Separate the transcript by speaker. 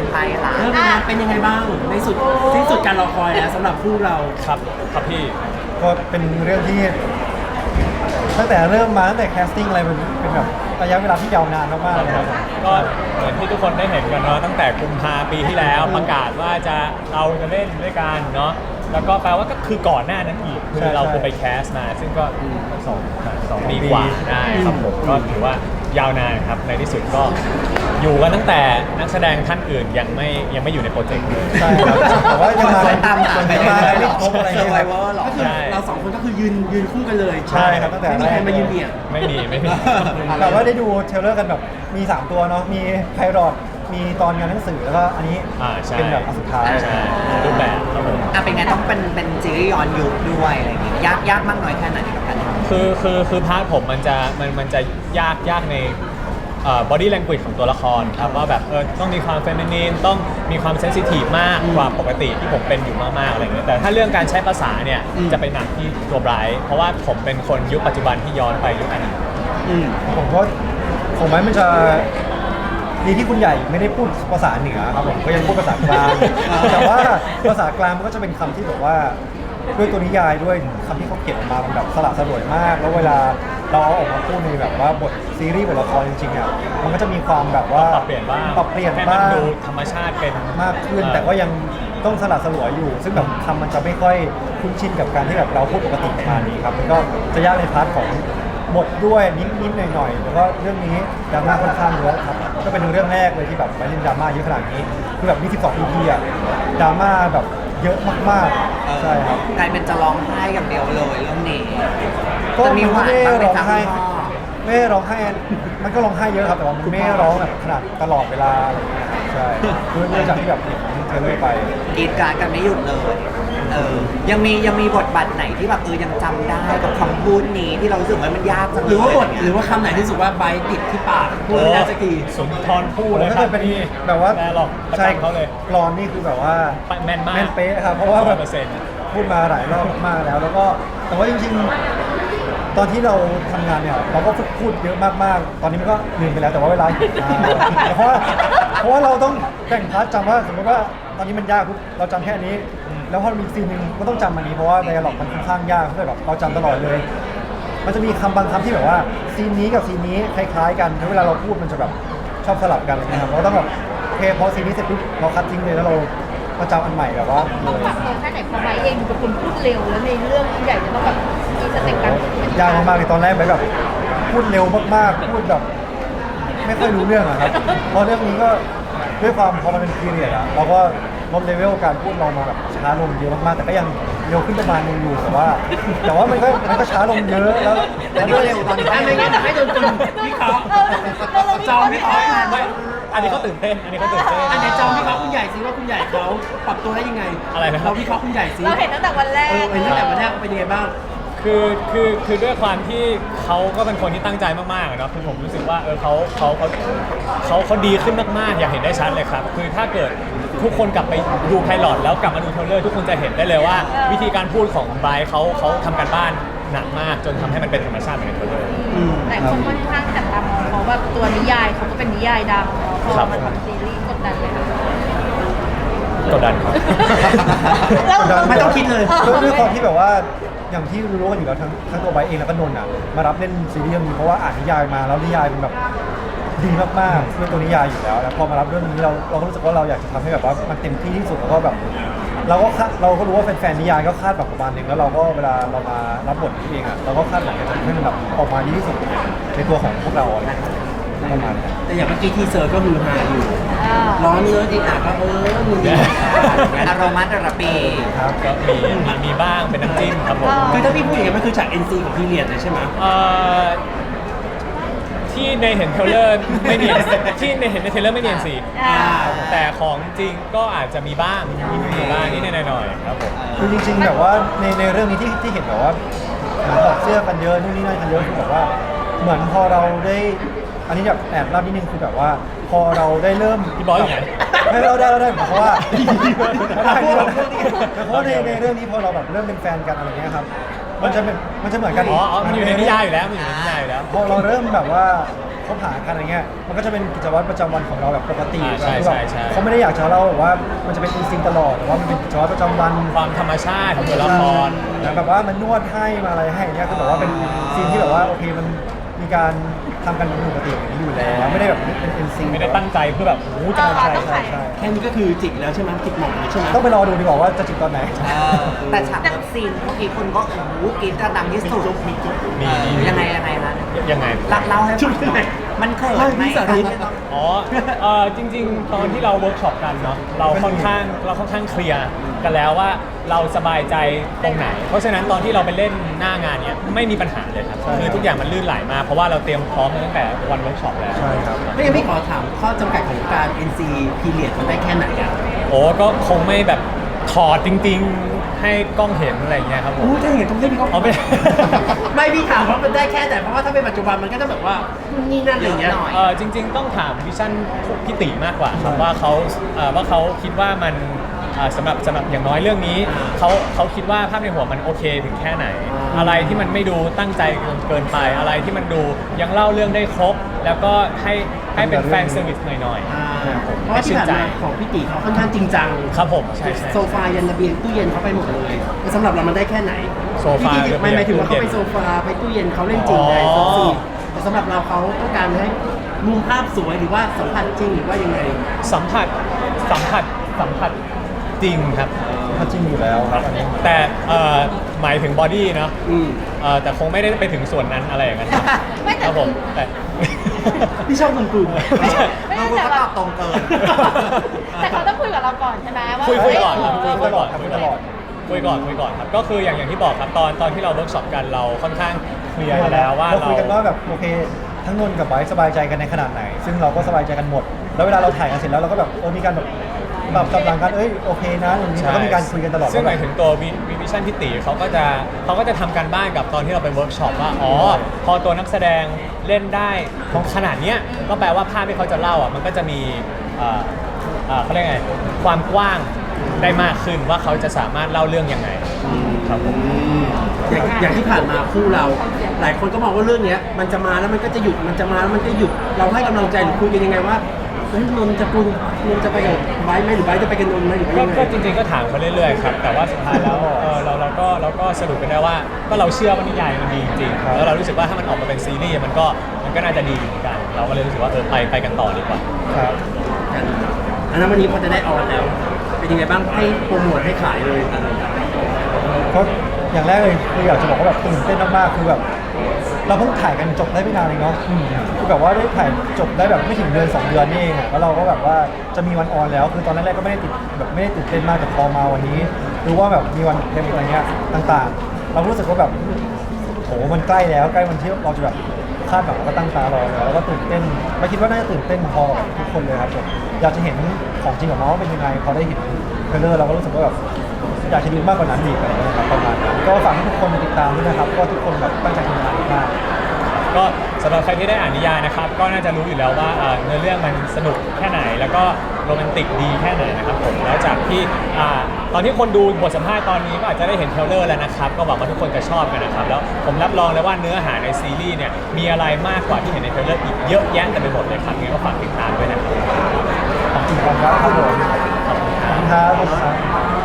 Speaker 1: ใครคะ
Speaker 2: เป็นยังไงบ้างในสุดที่สุดการรอคอยแล้วสำหรับคู่เรา
Speaker 3: ครับครับพี่
Speaker 4: ก็เป็นเรื่องที่ตั้งแต่เริ่มมาตั้งแต่แคสติ้งอะไรมันเป็นแบบระยะเวลาที่ยาวนานมากๆเลยครับ
Speaker 3: ก็เหมือนที่ทุกคนได้เห็นกันเนาะตั้งแต่กุมภาปีที่แล้วประกาศว่าเราจะเล่นด้วยกันเนาะแล้วก็แปลว่าก็คือก่อนหน้านั้นอีกคือเราคือไปแคสมาซึ่งก็สองปีกว่าได้ครับผมก็ถือว่ายาวนานครับในที่สุดก็อยู่กันตั้งแต่นักแสดงท่านอื่นยังไม่อยู่ในโปรเจกต์เลย
Speaker 4: ใช่ครับแต่ว่ายังมา
Speaker 1: ตามหาไป
Speaker 4: มาไม่ครบอะไรเงี้ย
Speaker 2: ก็คือเราสองคนก็คือยืนคู่กันเลย
Speaker 4: ใช่ครับตั้งแต่
Speaker 2: ไม่มีใครมายืนเบียด
Speaker 3: ไม่มี
Speaker 4: แต่ว่าได้ดูเทรลเลอร์กันแบบมี3ตัวเนาะมีไพรอตมีตอนงานหนังสือแล้วก็อันนี้เป็นแบบอันสุดท้าย
Speaker 3: ใช่รูปแบบครับผม
Speaker 1: เป็นไงต้องเป็นซีรีส์ย้อนยุคด้วยอะไรอย่างเงี้ยยากมากน้อยแค่ไหนกับการทำ
Speaker 3: คือพาร์ทผมมันจะยากในbody language ของตัวละครครับว่าแบบต้องมีความเฟมินีนต้องมีความเซนซิทีฟมากกว่าปกติที่ผมเป็นอยู่มากๆอะไรเงี้ยแต่ถ้าเรื่องการใช้ภาษาเนี่ยจะไปหนักที่ตัวไบรท์เพราะว่าผมเป็นคนยุคปัจจุบันที่ย้อนไปยุคอดีต
Speaker 4: ผมว่าผมว่ามันจะดีที่คุณใหญ่ไม่ได้พูดภาษาเหนือครับผมก็ยังพูดภาษากลางแต่ว่าภาษากลางมันก็จะเป็นคำที่แบบว่าด้วยตัวนิยายด้วยคำที่เขาเขียนออกมามันแบบสละสลวยมากแล้วเวลาเราเอาออกมาพูดในแบบว่าบทซีรีส์บทละครจริงๆอ่ะมันก็จะมีความแบบว่า
Speaker 3: ปรับเปลี่ยนบ้าง
Speaker 4: ให้มัน
Speaker 3: ดูธรรมชาติเป็น
Speaker 4: มากขึ้นแต่ก็ยังต้องสละสลวยอยู่ซึ่งแบบคำมันจะไม่ค่อยคุ้นชินกับการที่แบบเราพูดปกติประมาณนี้ครับมันก็จะยากในพาร์ทของบทด้วยนิดๆหน่อยๆแล้วก็เรื่องนี้ดราม่าค่อนข้างเยอะครับก็เป็นเรื่องแรกเลยที่แบบไปเล่นดราม่าเยอะขนาดนี้คือแบบมี12 EP อ่ะดราม่าแบบเยอะมากๆใช่ครับ
Speaker 1: กลายเป็นจะร้องไห้กับเดียวเลยเรื่องนี้
Speaker 4: ก็ไม่ได้ร้องไห้ไม่ร้องไห้มันก็ร้องไห้เยอะครับแต่ว่ามันไม่ร้องแบบขนาดตลอดเวลาอะไรอย่างเงี้ยใช่คือเนื่องจากที่แบบเทเลอร์ไป
Speaker 1: กรีดการกันไม่หยุดเลยยังมีบทบาทไหนที่แบบยังจำได้กับคำพูดนี้ที่เรารู้สึกว่ามันยากจัง
Speaker 2: หรือว่าบทหรือว่าคำไหนที่รู้สึกว่าใบติดที่ปากพูดไม่ได้สักที
Speaker 3: สุนทรภู่เลยครับ
Speaker 4: เป็นแบบว่า
Speaker 3: หรอก
Speaker 4: ใช่
Speaker 3: เขาเลย
Speaker 4: กรอนนี่คือแบบว่า
Speaker 3: แม่นมาก
Speaker 4: แม่นเป๊ะครับเพราะว่าแบบพูดมาหลายรอบมากแล้วก็แต่ว่าจริงๆตอนที่เราทำงานเนี่ยเราก็พูดเยอะมากๆตอนนี้มันก็ลืมไปแล้วแต่ว่าเวลาเพราะว่าเราต้องแบ่งพาร์ทจำว่าสมมติว่าตอนนี้มันยากเราจำแค่นี้แล้วพอมีซีนหนึ่งก็ต้องจำอันนี้เพราะว่าไดอะล็อกมันค่อนข้างยากเพราะแบบเราจำตลอดเลยมันจะมีคำบางคำที่แบบว่าซีนนี้กับซีนนี้คล้ายๆกันเวลาเราพูดมันจะแบบชอบสลับกันนะครับเราต้องแบบโอเคพอซีนนี้เสร็จปุ๊บเราคัดทิ้งเลยแล้วเราจำอันใหม่แบบว่า
Speaker 5: ต้องปรับตัวแค่ไหนพอไบเองเป็นคนพูดเร็วแล้วในเรื่องใหญ่จะต้องแบบมีสเต็ปการ
Speaker 4: ยากมากๆเลยตอนแรกแบบพูดเร็วมากๆพูดแบบไม่ค่อยรู้เรื่องอะครับพอเรื่องนี้ก็ด้วยความพอมันเป็นพีเรียดอะเราก็ลดเลเวลการพูดเรามาแบบช้าลงเยอะมากๆแต่ก็ยังเร็วขึ้นประมาณนึงอยู่แต่ว่ามันก็ช้าลงเยอะแล้ว
Speaker 1: ก็เร็วตอนนี้
Speaker 2: ไม่งั้นแต่ให้โดนจุ่มพี่เขาจองพี่เขา
Speaker 3: อันนี้เขาตื่นเต้นอันนี้
Speaker 2: ไหนจองพี่เขาคุณใหญ่ซิว่าคุณใหญ่เขาปรับตัวได้ยังไง
Speaker 3: อะไรนะ
Speaker 2: เราพี่เขาคุณใหญ่ซิ
Speaker 5: เราเห็นตั้งแต่วันแรก
Speaker 2: เห็นตั้งแต่วันแรกเป็นยังไงบ้าง
Speaker 3: คือด้วยความที่เขาก็เป็นคนที่ตั้งใจมากๆเนาะคือผมรู้สึกว่าเขาดีขึ้นมากๆอยากเห็นได้ชัดเลยครับคือถ้าเกิดทุกคนกลับไปดูไพลอตแล้วกลับมาดูเทรลเลอร์ทุกคนจะเห็นได้เลยว่าวิธีการพูดของไบรท์เขาทำการบ้านหนักมากจนทำให้มันเป็นธรรมชาติเหมือนในเทรลเลอร์
Speaker 5: แต่คนค่อนข้างจับตามองเขาว่าตัวนิยายเขาก็เป็นนิยายดังพอมาทำซีรีส์กดดันเลยค่ะ
Speaker 3: กดดันครับ
Speaker 2: ไม่ต้องคิดเลย
Speaker 4: ด้วยความที่แบบว่าอย่างที่รู้กันอยู่แล้วทั้งตัวไบเองแล้วก็นนท์อ่ะมารับเล่นซีรีส์นี้เพราะว่าอ่านนิยายมาแล้วนิยายเป็นแบบดีมากๆด้วยตัวนิยายอยู่แล้วพอมารับเรื่องนี้เราก็รู้สึกว่าเราอยากจะทำให้แบบว่ามันเต็มที่ที่สุดแล้วก็แบบเราก็รู้ว่าแฟนๆนิยายก็คาดแบบประมาณนึงแล้วเราก็เวลาเรามารับบทนี้เองอ่ะเราก็คาดหวังจะทำให้มันแบบออกมาดีที่สุดในตัวของพวกเราประมาณนี้
Speaker 2: แต่อย่างเมื่อกี้ทีเซอร์ก็ฮือฮาอยู่ร้อนเนื้ออีกก็มือ
Speaker 1: อารมาตระปี
Speaker 3: ครับก็มีบ้างเป็นน้ำจิ้มครับผม
Speaker 2: คือถ้าพี่พูดอย่างนี้มันคือฉาก NC ของพี่เรียนเลยใช่ไหม
Speaker 3: ที่ในเห็นเทรลเลอร์ไม่เนียนที่ในเห็นในเทรลเลอร์ไม่เนียนสิแต่ของจริงก็อาจจะมีบ้างนิดหน่อยครับผม
Speaker 4: คือจริงๆแบบว่าในเรื่องนี้ที่เห็นแบบว่าถอดเสื้อกันเยอะนู่นนี่นั่นกันเยอะคือแบบว่าเหมือนพอเราได้อันนี้แบบแอบเล่านิดนึงคือแบบว่าพอเราได้เริ่ม
Speaker 3: พี่บอยอยู่ไหน
Speaker 4: ให้เราได้เพราะว่าเพราะในเรื่องนี้พอเราแบบเริ่มเป็นแฟนกันอะไรเงี้ยครับมันจะเหมือนกัน
Speaker 3: มันอยู่ในนิยายอยู่แล้วพอ
Speaker 4: เราเริ่มแบบว่าคคบหากันอะไรเงี้ยมันก็จะเป็นกิจวัตรประจำวันของเราแบบปกติ
Speaker 3: ใช่
Speaker 4: คือแบบ
Speaker 3: ใช่
Speaker 4: เขาไม่ได้อยากจะเล่าแบบว่ามันจะเป็นอินสติ้งตลอดแต่ว่ามันเป็นกิจวัตรประจำวัน
Speaker 3: ความธรรมชาติของตัวละคร
Speaker 4: แต่แบบว่ามันนวดให้มาอะไรให้เนี่ยคือแบบว่าเป็นซีนที่แบบว่าโอเคมันมีการทำกันเป็นปกติอย่างนี้อยู่แล้วไม่ได้แบบเป็นเอ็นซี
Speaker 3: ไม่ได้ตั้งใจเพื่อแบบโอ้โหจะ
Speaker 4: ใช่ใช่ใช่
Speaker 2: แค่นี้ก็คือจิกแล้วใช่ไหมจิกหมอนเลยใช่ไหม
Speaker 4: ต้องไปรอดูดีกว่าว่าจะจิบตอนไหน
Speaker 1: แต่ฉากเลิฟซีนเมื่อกี้คนก็โอ้โหกรี๊ดดังที่สุดยังไงคะ
Speaker 3: ยังไง
Speaker 1: เล่าให้ฟังหน่อยมันเขินไหม
Speaker 3: อ๋อจริงๆ ตอนที่เราเวิร์กช็อปกันเนาะเราค่อนข้างเคลียร์กันแล้วว่าเราสบายใจตรงไหน เพราะฉะนั้นตอนที่เราไปเล่นหน้างานเนี้ยไม่มีปัญหาเลยครับ
Speaker 4: ใช่
Speaker 3: คือทุกอย่างมันลื่นไหลมากเพราะว่าเราเตรียมพร้อมมาตั้งแต่วันเวิร์กช็อปแล้ว
Speaker 4: ใช่ครับ
Speaker 2: ไม่งั้นพี่ขอถามข้อจำกัดของการ NC period มันได้แค่ไหนอ่ะ
Speaker 3: โอ้ก็คงไม่แบบถอดจริงๆ ให้กล้องเห็นอะไรอย่างเงี้ยครับผม
Speaker 2: อู้ถ้าอย่างนั้นต้องให้พี่เขา
Speaker 3: เอาไม่
Speaker 2: ไม่พี่ถามว่ามันได้แค่ไหนเพราะว่าถ้าเป็นปัจจุบันมันก็จะแบบว่านู่นนี่นั่นอะไรอย่างเงี้ย
Speaker 3: จริงๆ ต้องถามวิชั่นพี่ติมากกว่าครับว่าเขาคิดว่ามันสำหรับอย่างน้อยเรื่องนี้เขาคิดว่าภาพในหัวมันโอเคถึงแค่ไหน อะไรที่มันไม่ดูตั้งใจเกินไปอะไรที่มันดูยังเล่าเรื่องได้ครบ แล้วก็ให้เป็นแฟนเซอร์วิสหน่อย
Speaker 2: เพราะว่าที่ผ่านมาของพี่ตีเขาค่อนข้างจริงจัง
Speaker 3: ๆครับผมใช่
Speaker 2: โซฟายันระเบียงตู้เย็นเขาไปหมดเลยแต่สำหรับเรามันได้แค่ไหน
Speaker 3: โซฟา
Speaker 2: พี่ไม่หมายถึงว่าเขาไปโซฟาไปตู้เย็นเขาเล่นจริงได้ซอฟซีแต่สำหรับเราเขาต้องการให้มุมภาพสวยหรือว่าสัมผัสจริงหรือว่ายังไง
Speaker 3: สัมผัสจริงครับ
Speaker 4: ถ้าจริงอยู่แล้วครับอันนี้
Speaker 3: แต่หมายถึงบอดี้เนาะ
Speaker 2: อืม
Speaker 3: แต่คงไม่ได้ไปถึงส่วนนั้นอะไรอย่างนั้น
Speaker 5: ไม่แต่
Speaker 3: ครับผมแต่
Speaker 2: พี่ชอบคุณกลุ่ม
Speaker 3: ไม่ใช่
Speaker 1: เราก็ตอบตรงเกิน
Speaker 5: แต่เขาต้องคุยกับเราก่อนใช่ไหมว่า
Speaker 3: คุยก่อนครับ
Speaker 5: เฮ้ย
Speaker 3: คุยก่อน
Speaker 4: คุยตลอด
Speaker 3: คุยก่อนครับก็คืออย่างที่บอกครับตอนที่เราเวิร์กช็อปกันเราค่อนข้างเคลียร์กันแล้วว่า
Speaker 4: เราคุยกันว่าแบบโอเคทั้งนนท์กับไบร์ทสบายใจกันในขนาดไหน ซึ่งเราก็สบายใจกันหมด แล้วเวลาเราถ่ายกันเสร็จแล้วเราก็แบบมีการแบบกำลังกันโอเคนะอย่างนี้เราก็มีการคุยกันตลอด
Speaker 3: ซึ่งห
Speaker 4: ว่า
Speaker 3: มายถึงตัววิชั่นพี่ตีเขาก็จะทำการบ้านกับตอนที่เราไปเวิร์กช็อปว่าอ๋อพอตัวนักแสดงเล่นได้ขนาดเนี้ยก็แปลว่าภาพที่เขาจะเล่าอ่ะมันก็จะมีเขาเรียกไงความกว้างได้มากขึ้นว่าเขาจะสามารถเล่าเรื่องยังไงครับผม
Speaker 2: อย่างที่ผ่านมาคู่เรา หลายคนก็มองว่าเรื่องเนี้ยมันจะมาแล้วมันก็จะหยุดมันจะมาแล้วมันก็หยุดเราให้กำลังใจหรือคุยกันยังไงว่าเฮ้ยนนท์จะปุนนนท์จะไปกับไบร์ทไหมหรือไบร์ทจะไปกับนนท์ไหมหรือว่ายังไง
Speaker 3: ก็จริงๆก็ถามเขาเรื่อยๆครับแต่ว่าสุดท้ายแล้วเราก็สรุปกันได้ว่าก็เราเชื่อว่านิยายมันดีจริงๆแล้วเรารู้สึกว่าถ้ามันออกมาเป็นซีรีส์มันก็น่าจะดีเหมือนกัน เราก็เลยรู้สึกว่าไปกันต่อดีกว่า
Speaker 4: ครับ
Speaker 2: อันนั้นวันนี้พอจะได้ออนแล้ว เป็นยังไงบ้างให้โปรโมทให้ขายเลย
Speaker 4: ก็อย่างแรกเลยคืออยากจะบอกว่าแบบตื่นเต้นมากๆคือแบบเราเพิ่งถ่ายกันจบได้ไม่นานเองเนาะคือแบบว่าได้ถ่ายจบได้แบบไม่ถึงเดือน2 เดือนนี่เองอะแล้วเราก็แบบว่าจะมีวันออนแล้ว คือตอนแรกๆก็ไม่ได้ตื่นเต้นมากแต่พอมาวันนี้รู้ว่าแบบมีวันเทมอะไรเงี้ยต่างๆ เรารู้สึกว่าแบบโหมันใกล้แล้วใกล้วันที่เราจะแบบคาดหวังแล้วก็ตั้งตารอแล้วก็ตื่นเต้นไม่คิดว่าน่าจะตื่นเต้นพอกับทุกคนเลยครับผมอยากจะเห็นของจริงของน้องว่าเป็นยังไงพอได้เห็นเทรลเลอร์เราก็รู้สึกว่าแบบอยากจะดูมากกว่านั้นอีกอะไรเงี้ยครับประมาณนั้นก็ฝากให้ทุกคนติดตามด้วยนะครับก็ทุกคนแบบตั้งใจทำงานมาก
Speaker 3: ก็สำหรับใครที่ได้อ่านนิยายนะครับก็น่าจะรู้อยู่แล้วว่าเนื้อเรื่องมันสนุกแค่ไหนแล้วก็โรแมนติกดีแค่ไหนนะครับผมแล้วจากที่ตอนที่คนดูบทสัมภาษณ์ตอนนี้ก็อาจจะได้เห็นเทรลเลอร์แล้วนะครับก็หวังว่าทุกคนจะชอบกันนะครับแล้วผมรับรองเลยว่าเนื้อหาในซีรีส์เนี่ยมีอะไรมากกว่าที่เห็นในเทรลเลอร์อีกเยอะแยะเต็มไปหมดเลยครับงั้นก็ฝากติดตามด้วยนะครับ
Speaker 4: ขอบคุณครับผมขอบคุณครับ